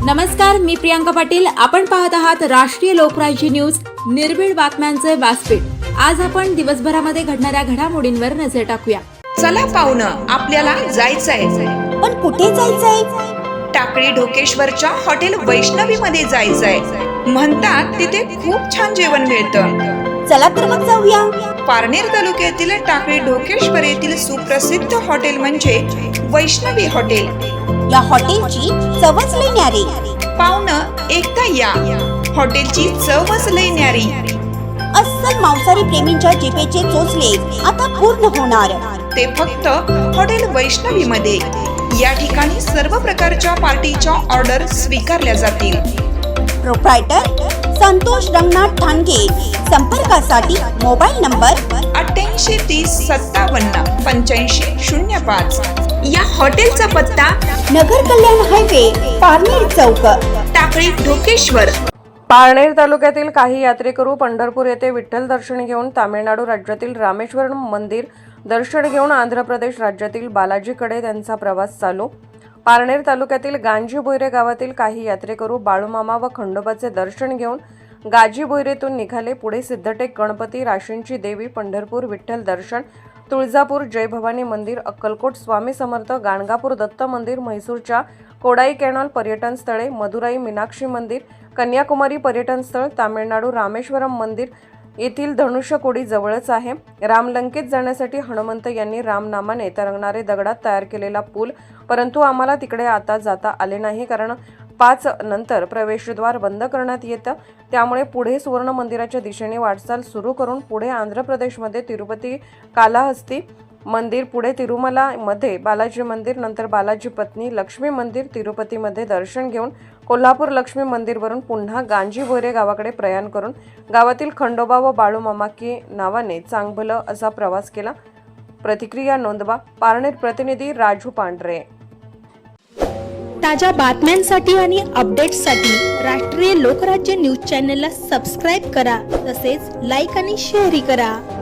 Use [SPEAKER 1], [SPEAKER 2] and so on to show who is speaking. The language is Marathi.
[SPEAKER 1] नमस्कार, मी प्रियांका पाटील. आपण पाहत आहात राष्ट्रीय लोकराज्य न्यूज, निर्भीड बातम्यांचे व्यासपीठ. आज आपण दिवसभरामध्ये घडणाऱ्या घडामोडींवर नजर टाकूया.
[SPEAKER 2] चला पाहुणं, आपल्याला जायचंय.
[SPEAKER 3] पण कुठे जायचंय?
[SPEAKER 2] टाकळी ढोकेश्वरच्या हॉटेल वैष्णवी मध्ये जायचंय. म्हणतात तिथे खूप छान जेवण मिळतं.
[SPEAKER 3] चला तर मग जाऊया.
[SPEAKER 2] पारनेर तालुक्यातील टाकळी ढोकेश्वर येथील सुप्रसिद्ध हॉटेल म्हणजे वैष्णवी हॉटेल.
[SPEAKER 3] या हॉटेलची चवच लई न्यारी.
[SPEAKER 2] पाहुणं, एकदा या. हॉटेलची चवच लई न्यारी.
[SPEAKER 3] अस्सल मांसाहारी प्रेमींच्या जिभेचे चोचले आता पूर्ण होणार.
[SPEAKER 2] ते फक्त हॉटेल वैष्णवी मध्ये. या ठिकाणी सर्व प्रकारच्या पार्टीच्या ऑर्डर स्वीकारल्या जातील.
[SPEAKER 3] प्रोप्रायटर संतोष रंगनाथ ठाणगे. संपर्कासाठी मोबाईल नंबर
[SPEAKER 2] 8830578505. या हॉटेलचा पत्ता
[SPEAKER 3] नगर कल्याण हायवे, पारनेर चौक,
[SPEAKER 2] टाकळी ढोकेश्वर.
[SPEAKER 4] पारनेर तालुक्यातील काही यात्रेकरू पंढरपूर येथे विठ्ठल दर्शन घेऊन तामिळनाडू राज्यातील रामेश्वरम मंदिर दर्शन घेऊन आंध्र प्रदेश राज्यातील बालाजीकडे त्यांचा प्रवास चालू. पारनेर तालुक्यातील गांजीबोयरे गावातील काही यात्रेकरू बाळूमामा व खंडोबाचे दर्शन घेऊन गाजीबोयरेतून निघाले. पुढे सिद्धटेक गणपती, राशींची देवी, पंढरपूर विठ्ठल दर्शन, तुळजापूर जय भवानी मंदिर, अक्कलकोट स्वामी समर्थ, गाणगापूर दत्त मंदिर, म्हैसूरच्या कोडाई कॅनॉल पर्यटन स्थळे, मदुराई मीनाक्षी मंदिर, कन्याकुमारी पर्यटन स्थळ, तामिळनाडू रामेश्वरम मंदिर येथील धनुष्यकोडी जवळच आहे. रामलंकेत जाण्यासाठी हनुमंत यांनी रामनामाने तरंगणारे दगडात तयार केलेला पूल, परंतु आम्हाला तिकडे आता जाता आले नाही, कारण 5 नंतर प्रवेशद्वार बंद करण्यात येतं. त्यामुळे पुढे सुवर्ण मंदिराच्या दिशेने वाटचाल सुरू करून पुढे आंध्र प्रदेशमध्ये तिरुपती कालाहस्ती मंदिर, पुढे तिरुमलामध्ये बालाजी मंदिर, नंतर बालाजी पत्नी लक्ष्मी मंदिर, तिरुपतीमध्ये दर्शन घेऊन कोल्हापूर लक्ष्मी मंदिरवरून पुन्हा गांजीबोयरे गावाकडे प्रयाण करून गावातील खंडोबा व बाळूमामाकी नावाने चांगभलं असा प्रवास केला. प्रतिक्रिया नोंदवा. पारनेर प्रतिनिधी राजू पांढरे.
[SPEAKER 5] ताज्या बातम्यांसाठी आणि अपडेट्ससाठी राष्ट्रीय लोकराज्य न्यूज चॅनलला सबस्क्राईब करा. तसेच लाईक आणि शेअरही करा.